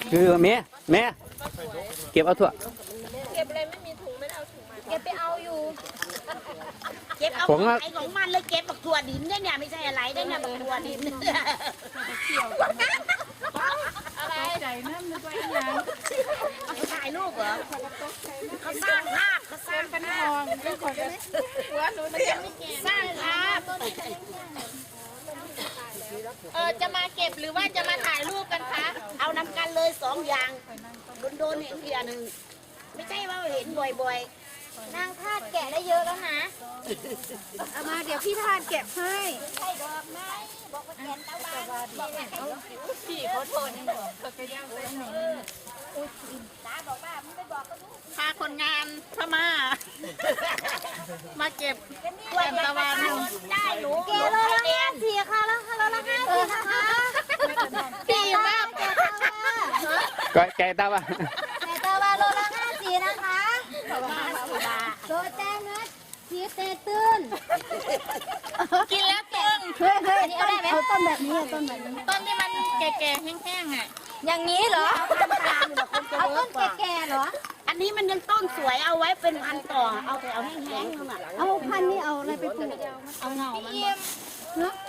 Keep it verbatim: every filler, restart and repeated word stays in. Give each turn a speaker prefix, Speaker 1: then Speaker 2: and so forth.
Speaker 1: คือแม่แม่เก็บเอาถั่ว
Speaker 2: เก็บอะไรไม่มีถุงไม่ได้เอาถุงมา
Speaker 3: เก็บไปเอาอยู่
Speaker 4: เก็บเอาไอ้ของมันเลยเก็บบักถั่วดินได้เนี่ยไม่ใช่อะไรได้เนี่ยบักถั่วดินอะไรใจนั่นนึกว่าอย่างถ่ายรูปเหรอเขาสร้างภาพเขาสร้างเป็นทองเป็นคนหัวหนูมันยังไม่เก่งสร้างภาพเออจะมาเก็บหรือว่าจะมาถ่ายรูปกันคะเอานำกันเลยสองอย่างโดนๆเห็นเดียวหนึ่งไม่ใช่ว่าเห็นบ่อยๆ
Speaker 3: นางทาดแกะได้เยอะแล้วนะเอามาเดี๋ยวพี่ทาดแกะให้
Speaker 4: ใช่ดอกไม้บอกว่าแกนตะวันบอกว่าเขา
Speaker 2: พี่ขอโทษเขาก็ย่างไปหน
Speaker 4: ตาบอกว่ามึงไปบอกก็รู้
Speaker 2: พาคนงานพม่ามาเก็บ
Speaker 4: กล้วยตะวันได้หนู
Speaker 3: แกะโลละห้าสี่ค่ะแล้วค่ะโลละห้าสี่นะคะ
Speaker 2: ดีมาก
Speaker 3: แกะตาวา
Speaker 1: ก็แกตาว่า
Speaker 3: แกะตาวาโลละห้าสี่นะคะ
Speaker 4: มาสุดา
Speaker 3: โดแจ้งนะชีสเตตื้น
Speaker 2: กินแล้วตึง
Speaker 3: เฮ้ยเฮ้ยเอาได้ไหมเอาต้นแบบนี้ต้นแบบนี้
Speaker 2: ต้นที่มันแก่ๆแห้งๆอ่ะ
Speaker 3: อย่างนี้เหรอเอาต้นแก่ๆเหรอ
Speaker 4: อันนี้มันยังต้นสวยเอาไว้เป็นพันต่อเอาแต่เอาแห้งๆนั่นแหละ
Speaker 3: เอาพันนี่เอาอะไรไปปลูก
Speaker 4: เอาเงามัน
Speaker 3: เนาะ